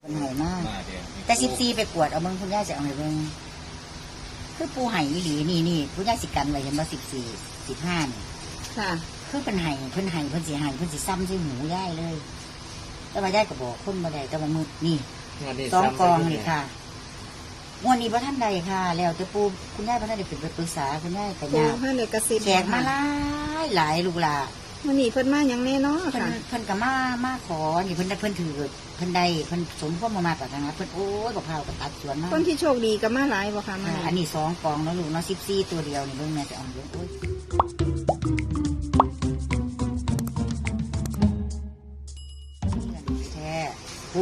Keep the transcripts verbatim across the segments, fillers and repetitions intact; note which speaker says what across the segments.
Speaker 1: เป็นไห่มากแต่สิบสี่ไปกวดเอาเบิ้งคุณย่าจะเอาไห้เบิ้งคือปูไห่อีหลีนี่นี่คุณย่าสิกันไว้เห็นว่าสิบสี่สิบห้านี่
Speaker 2: ค่ะ
Speaker 1: คือเป็นไห่เพิ่นไห่เพิ่นสีไห่เพิ่นสีซ้ำใส่หูย่ายเลยแต่ว่าย่ายก็บอกคนบ่ได้แต่ว่ามือนี่สองกองนี่ค่ะวันนี้พระท่านใดค่ะแล้วแต่ปูคุณย่าพระท่านได้เป็นไปปรึกษาคุณย่าแต่ยาแขกมาหลายหลายลูกหลาน
Speaker 2: วันนี้เพิ่นมาอย่างแน่เนาะค่ะ
Speaker 1: เพิ่นก็มามาขอนี่เพิ่นได้เพิ่นถือเพิ่นได้เพิ่นสมพวกมามากับทางนั้นเพิ่นโอ้ยบอกพาวกับตัดสวนมาก
Speaker 2: คนที่โชคดีก็มาหลายบ่ค่ะมา
Speaker 1: อันนี้สองกองแล้วลูกเนาะสิบสี่ตัวเดียวนี่เบิ่งแม่จะเอาเยอะโอ้ยแท้ปู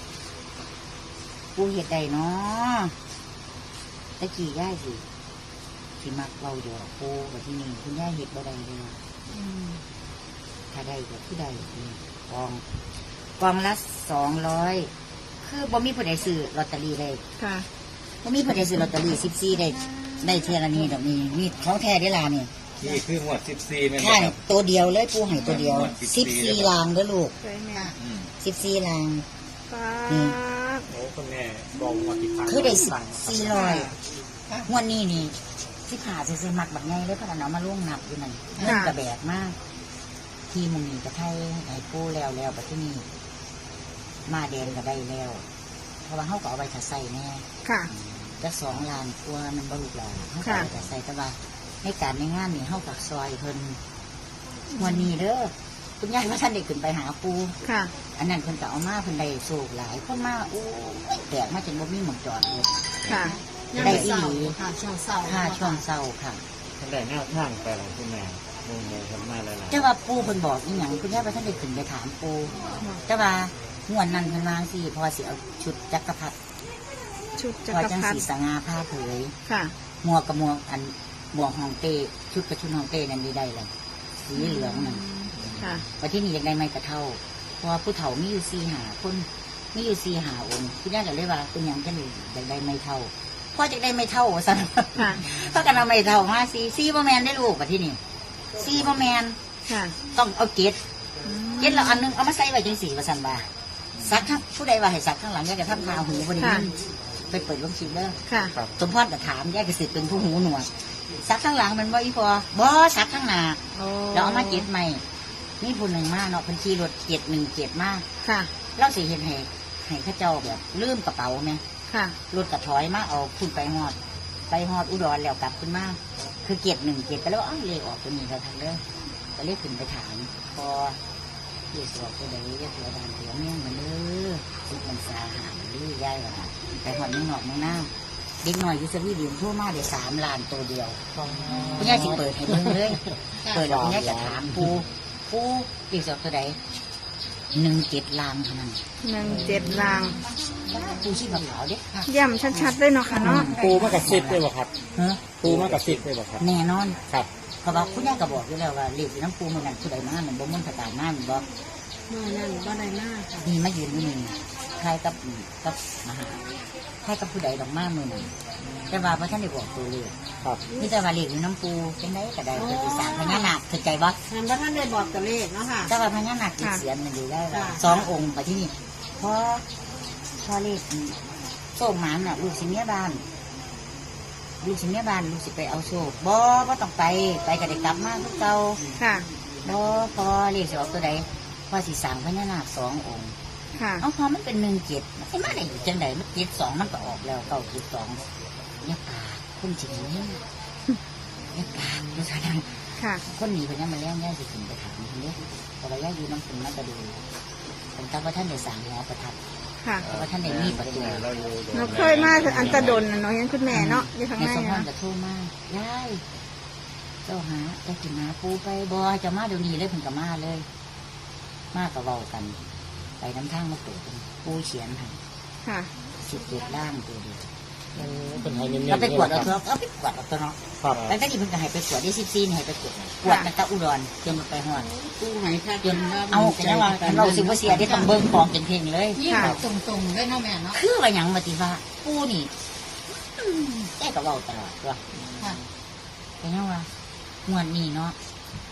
Speaker 1: ปูเห็ดใดเนาะตะกี้ย่ายสิสิมักเราอยู่ปูกับที่นี่คุณย่าเห็ดบ่ได้เลยถ้าได้ก็คือได้กองกองละสองร้อยคือบ่มีผู้ใดซื้อลอตเตอรี่เลย
Speaker 2: ค่ะ
Speaker 1: บ่มีผู้ใดซื้อลอตเตอรี่สิบสี่ได้ได้เท่านี้ดอกนี้มีของแท้ได้ลาเนี่ย
Speaker 3: นี่คือหมวดสิบสี่ไหม
Speaker 1: ครับตัวเดียวเลยปูให้ตัวเดียวสิบสี่ลางเด้อลูกสิบสี่ลาง
Speaker 2: นี่
Speaker 3: โอ้คุณแม่บอกว่ากี่พัน
Speaker 1: คือได้สิบสี่ร้อยงวดนี้นี่ที่ขาจะซื้อหมักแบบไงเลยเพราะเรามาล่วงนับอยู่นั่นเงินกระแบกมากที่มึงนี่จะให้ไอ้ปูแล้วแล้วไปที่นี่มาแดงก็ได้แล้วเพราะว่าเขาก็เอาไว้ถัดใส่แน่
Speaker 2: ค่ะ
Speaker 1: จะสองล้านตัวมันบรรลุแล้วเขาก็เอาไว้ถัดใส่แต่ว่าให้การในงานนี่เขาฝากซอยเพิ่นวันนี้เด้อคุณยายว่าท่านได้ขึ้นไปหาปู
Speaker 2: ค่ะ
Speaker 1: อันนั้นเพิ่นก็เอามาเพิ่นได้โศกหลายคนมาโอ้แตกมาจนบ่มีหมองจอดเลย
Speaker 2: ค่ะ
Speaker 1: ได้อีหลี
Speaker 2: ค่ะช่วงเศร้า
Speaker 1: ค่ะช่วงเศร้าค่ะ
Speaker 3: ท่านได้แนวทางไปหรอคุณแม่งงเลยครับมาหลายๆ
Speaker 1: แต่ว่าปูเพิ่นบอกอีหยังคุณยายว่าท่านได้ขึ้นไปถามปูแต่ว่างวดนั้นเพิ่นวางสิพอสิเอาชุดจักรพรรดิ
Speaker 2: ชุดจักร
Speaker 1: พรรดิสีสง่าผ้าเผย
Speaker 2: ค่ะ
Speaker 1: หมวกกับหมวกอันหมวกฮองเต้ชุดกับชุดฮองเต้นั่นได้เลยสีเหลืองนั่น
Speaker 2: ค่ะ
Speaker 1: ว่าที่นี่อยากได้ไม้กระเท่าเพราะว่าผู้เฒ่ามีอยู่สี่หาคนมีอยู่สี่หาองค์คุณยายก็เลยว่าเป็นหยังจังเลยอยากได้ไม้เท่าพ่อจะได้ไม่เท่าสันเพราะกันเอาไม่เท่ามาซีซีบะแมนได้ลูกกับที่นี่ซีบะแมนต้องเอาเกล็ดเกล็ดเราอันนึงเอามาใส่ไว้จังสีประสันบาซักข้างผู้ใดว่าให้ซักข้างหลังแยกกระทำทาหูบริเวณไปเปิดลงชิมเด้อสมพรกับถามแยกกระสิเป็นผู้หูหนวดซักข้างหลังมันบ่อีพอบ่ซักข้างหน้าเราเอามาเกล็ดใหม่นี่ผู้หนึ่งมากเนาะพันชีรถเกล็ดหนึ่งเกล็ดมากเราสิเห็นให้ให้ข้าเจ้าแบบลืมกระเป๋าไหมรถกระถอยมาเอาขึ้นไปหอดไปหอดอุดรแล้วกลับขึ้นมาคือเกียรติหนึ่งเกียรติก็แล้วอ้าวเลยออกตัวนี้เราทางเด้อก็เรียกขึ้นไปถามพอเกี่ยวกับตัวใดเรียกตัวดานเดียวเนี่ยมันเด้อทุกมันสาหัสหรือย่ายว่าไปหอดมึงหอกมึงหน้าเด็กหน่อยยุสวีเดียนทั่วมาเดี๋ยวสามล้านตัวเดียวคุณย่าจิเปิดให้มึงเลยเปิดแล้วคุณย่าจะถามปูปูเกี่ยวกับตัวใดหนึ่งเจ็ดลางเท่านั้น
Speaker 2: หนึ่งเจ็ดลาง
Speaker 1: ปูชีพขาวเด็ก
Speaker 2: ย่ำชัดๆเลยเนาะค่ะเนาะ
Speaker 3: ปูมากระซิบเลยบ่ครับปูมากระซิบเลยบ่ครับ
Speaker 1: แน่นอน
Speaker 3: ครับ
Speaker 1: เพราะว่าคุณย่าก็บอกอยู่แล้วว่าเรียกน้ำปูมันนั่นผู้ใดมามันบ่มุ่นผสานมามันบอก
Speaker 2: เมื่อนั่นบ่ได้มาก
Speaker 1: มีมายืนอยู่นี่ใครกับกับมหาใครกับผู้ใดดอกมาเมื่อนั้นแต่ว่าพระท่านได้บอกตัวเลย
Speaker 3: ครับ
Speaker 1: นี่แต่ว่าเรียกน้ำปูเป็นได้ก็ได้เป็นปีศาจพญานาคเข้าใจบ่
Speaker 2: พระท่านได้บอกตัวเลขเนาะค่ะ
Speaker 1: แต่ว่าพญานาคติดเสียนมันอยู่ได้สององค์ไปที่นี่เพราะพอเลขโซ่หมันน่ะลูกสิเมียบ้านลูกสิเมียบ้านลูกสิไปเอาโซ่บ่บ่ต้องไปไปก็ได้กลับมาทุกเก่า
Speaker 2: ค่ะ
Speaker 1: บ่พอเลขสิออกตัวใดพอสิสั่งพญานาคสององค์
Speaker 2: ค่ะ
Speaker 1: เอาพอมันเป็นหนึ่งเจ็ดมันไม่มาได้อยู่จังใดมันเจ็ดสองมันก็ออกแล้วเก้าจุดสองเนี่ยปาคุณจริงเนี่ยเนี่ยปาดูสาดัง
Speaker 2: ค่ะ
Speaker 1: คนหนีไปเนี่ยมาแล้วย่าสิถึงไปถามคนนี้แต่ว่าย่าอยู่น้ำคุณน่าจะดูผมจำว่าท่านได้สั่งหัวประทับ
Speaker 2: ค่ะ
Speaker 1: เพราะว่าท่านได้มีประตู
Speaker 2: เราเคยมาอันตะดนเนาะยังคุณแม่เนาะอยู่ทางไหน
Speaker 1: นะสมพรจะโทรมาย่ายเจ้าหาจะกินหาปูไปบ่จะมาเดี๋ยวนี้เลยผมกับมาเลยมากับเว้ากันไปน้ำทางมาเปิดปูเขียนให้
Speaker 2: ค่ะ
Speaker 1: สิบเจ็ดล่างตัวเดียว
Speaker 3: เป็นไงเนี่ย
Speaker 1: เราไปกวดเอาเถอะเอาไปกวดเอาตัวเนาะแล้วก็ที่เพิ่งจะให้ไปกวดได้สิบซีนให้ไปกวดกวดกันตะอุดรจนไปหอด
Speaker 2: ตู้ไหนค่ะ
Speaker 1: จนเอาแต่ว่าเราสิว่าเสียได้ต้องเบิ้งของเป็นเพลงเลย
Speaker 2: ค่ะตรงๆเลยเนาะแม่เนาะ
Speaker 1: คือว่าอย่างมาติว่าปูนี่แกก็เว้าตลอดว่าเป็นยังว่างวดนี้เนาะ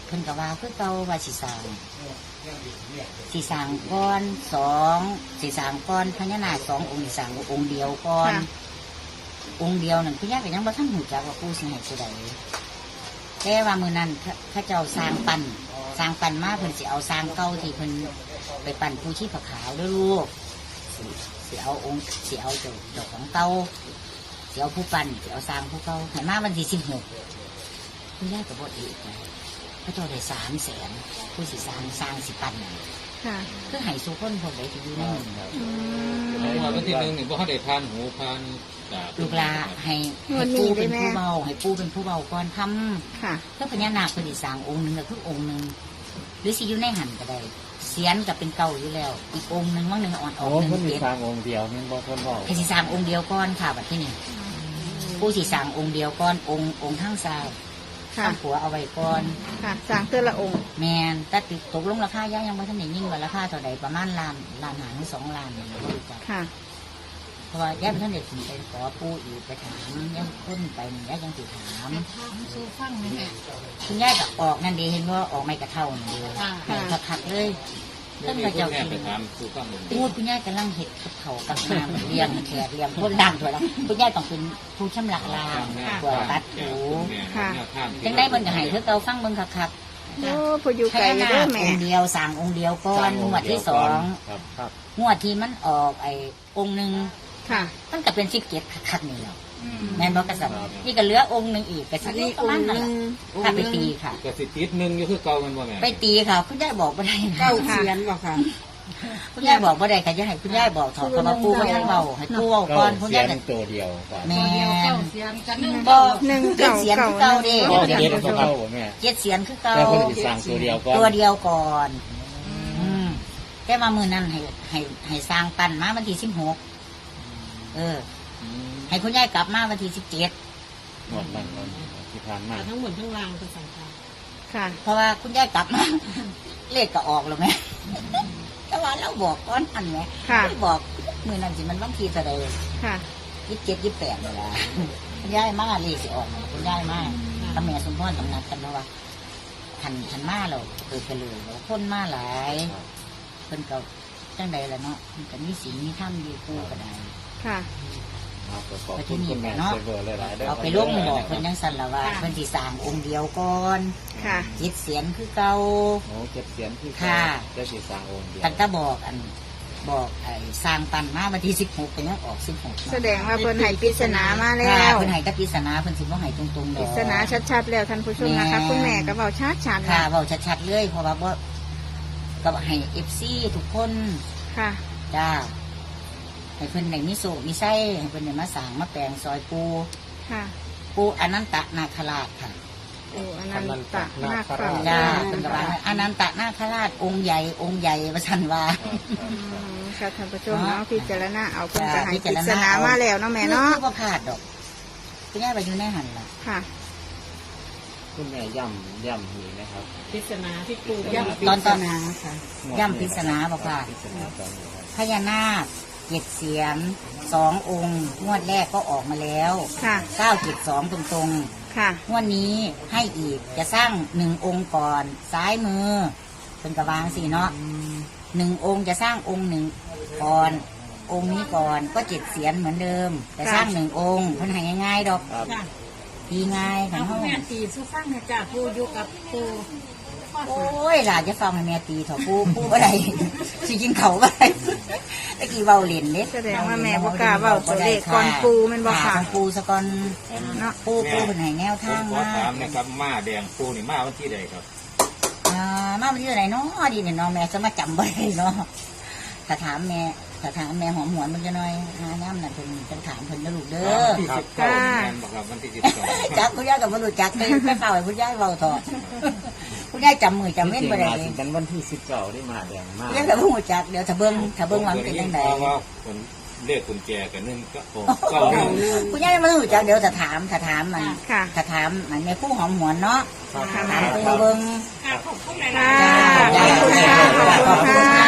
Speaker 1: เพิ่นก็ว่าคือเก่าว่าสิสร้างสิสร้างก้อนสองสิสร้างก้อนพญานาคสององค์สิสร้างองค์เดียวก่อนองค์เดียวนั่นคุณย่าก็ยังบ่ทันหูจักว่าปู่สิให้ผู้ใดแต่ว่ามื้อนั้นเขาเจ้าสร้างปั้นสร้างปั้นมาเพิ่นสิเอาสร้างเก่าที่เพิ่นไปปั้นปู่ชีพขาวเด้อลูกสิสิเอาองค์สิเอาเจ้าเจ้าของเก่าสิเอาผู้ปั้นสิเอาสร้างผู้เก่าให้มาวันที่สิบหกคุณย่าก็บ่อีกนะเขาเจ้าได้สามแสนผู้สิสร้างสร้างสิปั้นนั่น
Speaker 2: ค่ะ
Speaker 1: คือให้สุคนพวกใดที่อยู่ในหมู่
Speaker 2: อืม
Speaker 4: วันที่หนึ่งนี่บ่เขาได้พานหูพานตา
Speaker 1: ลูกลาให้
Speaker 2: งว
Speaker 1: ให้
Speaker 2: ดนี้
Speaker 1: ปู่เป็น
Speaker 2: ได้ไหม
Speaker 1: ผู้เบาให้ปู่เป็นผู้เบาก่อนทำ
Speaker 2: ค่ะ
Speaker 1: เพื่อพญานาคเป็นอีกสร้างองค์หนึ่งก็คือองค์หนึ่งหรือสิอยู่ในหันก็ได้เสียนกับเป็นเก่าอยู่แล้ว อีกองค์หนึ่งว่างหนึ่งอ่อนอ
Speaker 3: โอ้
Speaker 1: อกหนึ่ง
Speaker 3: เพิ่นมี
Speaker 1: เจ็ด
Speaker 3: สร้างองค์เดียวนี่บ่เพิ่นบอก
Speaker 1: ให้สิสร้างองค์เดียวก่อนค่ะแบบที่นี่ผู้สิสร้างองค์เดียวก่อนองค์องค์ข้างซ้าย
Speaker 2: ค่ะ
Speaker 1: ข้างขวาเอาไว้ก่อน
Speaker 2: ค่ะสร้างเทื่อละองค์
Speaker 1: แมนแต่ติดตกลงราคาย่ายังไม่ทันได้ยิ่งกว่าราคาเท่าใดประมาณล้านล้านหาหรือสองล้านนี่ไม่รู้จัก
Speaker 2: ค่ะ
Speaker 1: เพราะว่าย่าไม่ทันได้ถึงไปขอปู่อีกไปถามย่าคนไปนี่ย่ายังติดถาม คุณย่าก็ออกนั่นดีเห็นว่าออกไม่กระเท่านั่นดีให้ขัดๆเลยต้นกระเจ้า
Speaker 4: แม่
Speaker 1: กิน
Speaker 4: ไปถามผู้ฟังเลย
Speaker 1: พูดคุณย่ากำลังเห็ดกับเขากับน้ำเลี้ยงแขกเลี้ยงคนดังถั่วละคุณย่าต้องเป็นผู้ชำระล้างถั่วตัดถูจังได้เบิ่งก็ให้เธอเกาฟังเบิ่งคัก
Speaker 2: โอ้พออยู่
Speaker 1: ๆ
Speaker 2: ไกล
Speaker 1: ให้
Speaker 2: เด้
Speaker 1: นา
Speaker 2: อ
Speaker 1: ค
Speaker 2: แม่
Speaker 1: องค์เดียวสั่งองค์เดียวก่อนงวดที่สอง
Speaker 3: ครับครับ
Speaker 1: งวดที่มันออกไอ้องค์หนึ่ง
Speaker 2: ค่ะ
Speaker 1: มันก็เป็นสิบเจ็ดคักๆนี่แหละแม่นบอกกษัตริย์นี่ก็เหลือองค์หนึ่งอีกก็สิบประมาณนั้นถ้าไปตีค่ะ
Speaker 4: ก็สิติดหนึ่งอยู่คือเก่ามันบ่แม่
Speaker 1: ไปตีค่ะคุณย่าบอกบ่ได้นะ
Speaker 2: เก้าเสียนบ่ค่ะ
Speaker 1: คุณย่าบอกบ่ได้ค่ะจะให้คุณย่าบอกถอดคำว่าปูว่าท่านเบาให้ปูเว้าก่อนคุณ
Speaker 3: เสี
Speaker 1: ย่าย ก็
Speaker 3: งตัวเดียวครับ
Speaker 1: แม่น
Speaker 2: บ่หนึ่ง
Speaker 1: เจ็ด
Speaker 2: เก่า
Speaker 1: เสียน
Speaker 2: เก่า
Speaker 1: คือเก่าเด้
Speaker 3: ก็เจ็ดก็เข้าบ่แม่
Speaker 1: เจ็ดเสียนคือเก่า
Speaker 3: แต่เพิ่นสิสร้างตัวเดียวก่อน
Speaker 1: ตัวเดียวก่อนอืมแต่มามือนั้นให้ให้ให้สร้างปั้นมาวันที่สิบหกเออ ให้คุณย่ากลับมาวันที่สิบเจ็ด
Speaker 3: หมดมันก่อนที่ผ่านมา
Speaker 5: ทั้งหมดทั้งรางเป็นสังขาร
Speaker 2: ค่ะ
Speaker 1: เพราะว่าคุณย่ากลับมา เลขก็ออกแล้วไหม แต่ว่าเราบอกก้อนอันไหม
Speaker 2: ค่ะ
Speaker 1: ไม่บอกมือนั้นสิมันวันที่เท่าใด
Speaker 2: ค่ะ
Speaker 1: ยี่สิบเจ็ดยี่สิบแปดเลยล่ะ คุณย่ายมาเลขสิออกมาคุณย่ายมาตำแหน่งสมพรตำหนักกันเพราะว่าขันขันมาเราเปิดกันเลยแล้วคนมาหลายเพิ่นก็จังใดล่ะเนาะมันก็มีศีลมีธรรมดีคู่ก็ได้
Speaker 2: ค่ะ
Speaker 3: เอาไปขอบคุณคุณแม่เซเวอร์หลายๆเด้อ
Speaker 1: เอาไปลงบอกเพิ่นยังสั่นละว่าเพิ่นสิสร้างองค์เดียวก่อน
Speaker 2: ค่ะ
Speaker 1: จิตเสียนคือเก่า
Speaker 3: โอ้เก็บเสียงที่
Speaker 1: ค่ะ
Speaker 3: จะสิสร้างองค์เดียว
Speaker 1: ตั้งแต่บอกอันบอกไอ้สร้างปันมาวันที่สิบหกเป็นยังออกสิบหก
Speaker 2: แสดงว่าเพิ่นให้ปริศนามาแล้
Speaker 1: ค่ะ
Speaker 2: ว
Speaker 1: เพิ่นให้แตะปริศนาเพิ่นสิบ่ให้ตรงๆ
Speaker 2: ป
Speaker 1: ด
Speaker 2: ริ
Speaker 1: อก
Speaker 2: ศนาชัดๆแล้วท่านผู้ชมนะคะ คุณแม่ก็เว้าชัดๆ
Speaker 1: ค่ะ
Speaker 2: นะ
Speaker 1: เว้าชัดๆเลยเพราะว่าบ่ก็ให้ เอฟ ซี ทุกคน
Speaker 2: ค่ะ
Speaker 1: จ้าให้เพิ่นได้มีโศกมีไส้ให้เพิ่นได้มาสร้างมาแปลงซอยปู
Speaker 2: ค่ะ
Speaker 1: ปูอนันตนาคราชค่ะ
Speaker 2: โอ้อนันตนาคราช
Speaker 1: จ้าเพิ่นก็ว่าอนันตนาคราชองค์ใหญ่องค์ใหญ่ว่าซั่นว่า
Speaker 2: อืมค่ะท่านผู้ชมเนาะพิจารณาเอาเพิ่นก็ให้
Speaker 1: พิ
Speaker 2: ป
Speaker 1: จาร
Speaker 2: ริ
Speaker 1: ณา
Speaker 2: ศนามาแล้วเนาะแม่เนาะ
Speaker 1: คือบ่พลาดดอกคุณย่าไปอยู่ในหันล่ะ
Speaker 2: ค่ะ
Speaker 3: คุณแม่ย่ำย่ำหีนะครับ
Speaker 5: พิศนาที่ปู
Speaker 1: ย่ำตอนตอนย่ำปริศนาบอกว่า
Speaker 3: ปริศนาตอนนี้ครับ
Speaker 1: พญานาคเจ็ดเสียนสององค์งวดแรกก็ออกมาแล้ว
Speaker 2: ค่ะ
Speaker 1: เก้าเจ็ดสองตรง
Speaker 2: ค่ะ
Speaker 1: ๆงวดนี้ให้อีกจะสร้างหนึ่งองค์ก่อนซ้ายมือเป็นกระวางสี่เนาะหนึ่งองค์จะสร้างองค์หนึ่งก่อนองค์นี้ก่อนก็เจ็ดเสียนเหมือนเดิมแต่สร้างหนึ่งองค์เพิ่นให้ง่ายๆดอก
Speaker 3: ครับ
Speaker 5: ค่ะ
Speaker 1: ดีง่ายของ
Speaker 5: เอา
Speaker 1: เขา
Speaker 5: แม่ตีสู้ฟังเนี่ยจ้าปูอยู่กับปู
Speaker 1: โอ้ยหลานจะฟังให้แม่ตีเถอะปูปูอะไร สิกินเขาไปตะกี้เบาเล่นเด้
Speaker 2: แสดงว่าแม่บ่กล้าเว้าตัวเลขก่อนปูแม่นบ่ค่ะ
Speaker 1: ปูสะก่อน
Speaker 2: เนาะ
Speaker 1: ปูปูเป็นไหนแนว
Speaker 4: ผม
Speaker 1: ทาง
Speaker 4: ขอ
Speaker 1: มา
Speaker 4: ถามนะครับมาแดงปูนี่มาวันที่ใดครับ
Speaker 1: อ่ามาวันที่ไหนเนาะดีเนี่ยเนาะแม่จะมาจำบ่ได้เนาะถ้าถามแม่ถ้าถามแม่หอมหวนมันจะน้อยหาน้ำน่ะเพิ่นจะถามเพิ่นนะลูกเด้อ
Speaker 4: วันที่สิบเก้าแม่นบอกครับวันที่สิบสอง
Speaker 1: จักคุณย่ากับบ่รู้จักเลยไปเฝ้าให้คุณย่าเว้าเถอะคุณย่าจำมือจำเว้นบ่ได้
Speaker 3: จ
Speaker 1: เล
Speaker 3: ริ
Speaker 1: ย
Speaker 3: งๆมาสิกันวันที่สิบเก้าได้มาแดงมาก
Speaker 1: คุณย่ากับบ่รู้จักเดี๋ยวถ้าเบิ่งถ้าเบิ่งว่ามันเป็นจังได
Speaker 4: เพราะว่าคนเลขกุญแจกันนึงก็โอ้เก้าหนึ่ง
Speaker 1: คุณย่าไม่รู้จักเดี๋ยวถ้าถามถ้าถามมัน
Speaker 2: ค่ะ
Speaker 1: ถ้าถามมันแม่ผู้หอมหวนเนาะ
Speaker 2: ค่ะ
Speaker 1: ถามปูเบิ่ง
Speaker 5: ค่ะขอบคุณหลาย
Speaker 2: ค่ะ
Speaker 5: ๆ
Speaker 2: ขอบคุณค่ะขอบคุณค่ะ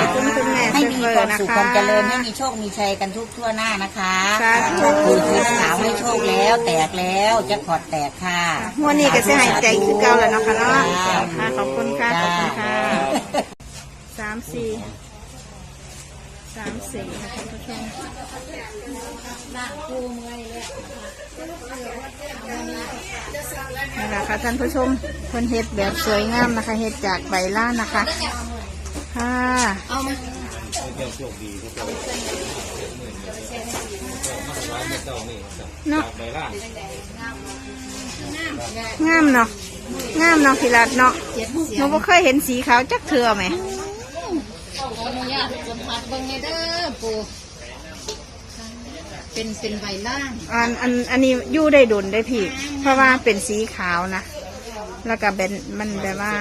Speaker 2: คุณคุณแม่
Speaker 1: ให้
Speaker 2: เซ
Speaker 1: มี
Speaker 2: เฟอ
Speaker 1: ความ
Speaker 2: ร์นะ
Speaker 1: สุข
Speaker 2: คะ
Speaker 1: ความเจริญให้มีโชคมีชัยกันทุกทั่วหน้านะคะ
Speaker 2: สาธุ
Speaker 1: คุณคือสาวให้โชคแล้วแตกแล้วแจ็คพอตแตกค่ะ
Speaker 2: งวดนี้ก็จะหายใจคือเก่าแล้วเนาะค่ะเนาะค่ะขอบคุณค่ะขอบคุณค่ะสามสี่สามสี่ค่ะท่านผู้ชม
Speaker 5: ร่างปูเมื่อยเลย
Speaker 2: นี่แหละค่ะท่านผู้ชมเพิ่นเฮ็ดแบบสวยงามนะคะเฮ็ดจากใบล่านนะคะค่ะ
Speaker 5: เอามา
Speaker 4: เจ้าโชคดีเจ้าเจ้ามาสบายเจ้านี่จาก
Speaker 2: เนาะ
Speaker 4: ใบล่าง
Speaker 2: งามเนาะงามเนาะพี่รัตเนาะหนูบ่เคยเห็นสีขาวจักเทื่อไหม
Speaker 5: ขออนุญาตสัมผัสเบิ่งในเด้อปูเป็นเป็นใบล่าง
Speaker 2: อันอันอันนี้อยู่ได้ดุนได้พี่ เพราะว่าเป็นสีขาวนะแล้วก็เป็นมันแบบว่า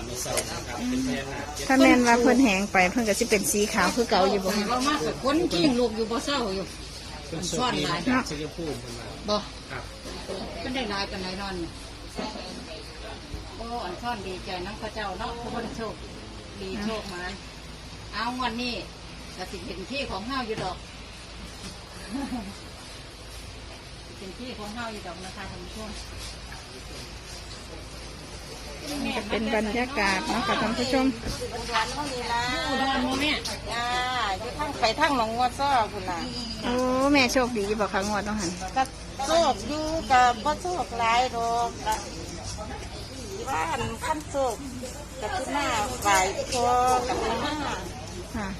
Speaker 2: ถ้าแม่นว่าเพิ่นแหงไปเพิ่นก็สิเป็นสีขาวคือเก่าอยู่บ่
Speaker 5: ว่ามากกับคนกิ้งลูกอยู่บ่เศร้าอยู่มันซ่อนหลาย
Speaker 2: เนาะ
Speaker 5: บ่เป็นได้หลายกันไหนนอนเนี่ยโอ้อันซ่อนดีใจน้ำข้าเจ้าเนาะผู้คนโชคดีโชคมาเอาวันนี้ก็สิเป็นที่ของเฮาอยู่ดอกเป็นที่ของเฮาอยู่ดอกนะคะท่านผู้ชม
Speaker 2: จะเป็นบรรยากาศเนาะค่ะท่านผู้ชม
Speaker 5: อุดรโมแม่
Speaker 1: จ้าอยู่ทั้งไปทั้งหนองงัวซ้อคุณน่ะ
Speaker 2: โอ้แม่โชคดีบ่คะงวดต้องหัน
Speaker 1: ก็โชคอยู่กับบ่โชคหลายดอกก็ว่าอันขั้นโชคกับที่หน้าฝ่ายพอกับที่หน้า
Speaker 2: ค่ะ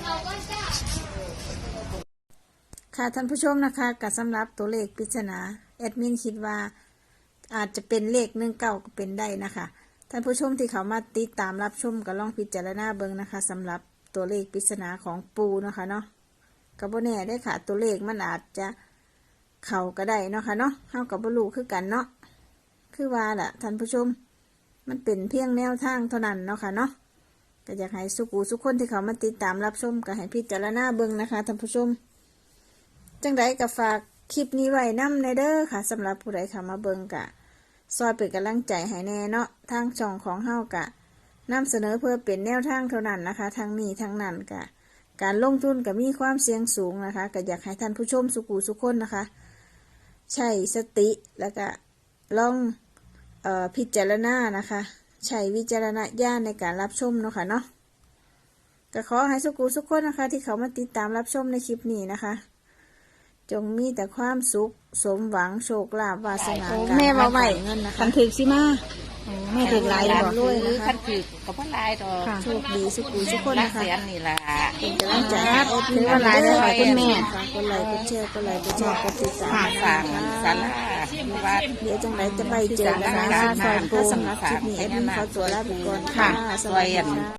Speaker 2: ค่ะท่านผู้ชมนะคะกับสำหรับตัวเลขปริศนาแอดมินคิดว่าอาจจะเป็นเลขหนึ่งเก้าก็เป็นได้นะคะท่านผู้ชมที่เขามาติดตามรับชมก็ลองพิจารณาเบิ่งนะคะสำหรับตัวเลขปริศนาของปูเนาะคะเนาะกับโบแน่ได้ค่ะตัวเลขมันอาจจะเข่าก็ได้เนาะค่ะเนาะเฮากับบลูคือกันเนาะคือว่าแหละท่านผู้ชมมันเป็นเพียงแนวทางเท่านั้นเนาะค่ะเนาะก็อยากให้สุกูสุกคนที่เขามาติดตามรับชมก็ให้พิจารณาเบิ่งนะคะท่านผู้ชมจังไดก็ฝากคลิปนี้ไว้นำในเด้อค่ะสำหรับผู้ใดเข้ามาเบิ่งกะซอยเป็นกำลังใจให้แน่เนาะทางช่องของเฮากะนำเสนอเพื่อเป็นแนวทางเท่านั้นนะคะทางนี้ทางนั้นกะการลงทุนก็มีความเสี่ยงสูงนะคะก็อยากให้ท่านผู้ชมสุกูสุกคนนะคะใช้สติแล้วก็ลองเอ่อพิจารณานะคะใช้วิจารณญาณในการรับชมเนาะค่ะเนาะก็ขอให้สุกูสุกคนนะคะที่เขามาติดตามรับชมในคลิปนี้นะคะจงมีแต่ความสุขสมหวังโชคลาภวาสนา
Speaker 1: โอ้
Speaker 2: การ
Speaker 1: แม่ว่าไว้
Speaker 2: เงินนะคะคันถึกสิมาโอ้แม่ถึกหลายบอก
Speaker 1: ด้
Speaker 2: ด้
Speaker 1: ว
Speaker 2: วย ย
Speaker 1: นะ
Speaker 2: นะคะ
Speaker 1: ขั้นถือกับพ่อลายดอก
Speaker 2: โชคดีสุขุสุขคน
Speaker 1: รัก
Speaker 2: นะคะ
Speaker 1: เสียนนี่ล่ะ
Speaker 2: เป็นกำลังใจให้เอฟถือว่าหลายเลยค่ะคุณแม่ฝากกดไลค์กดแชร์กดไลค์กดแชร์กดติดตาม
Speaker 1: ฝากสาราวัด
Speaker 2: เดี๋ยวจังไรจะไปเจอกันนะคะซอยปูคลิปนี้เอ็ดมินขอตัวลาไปก่อนค่ะ สวัสดีค่ะ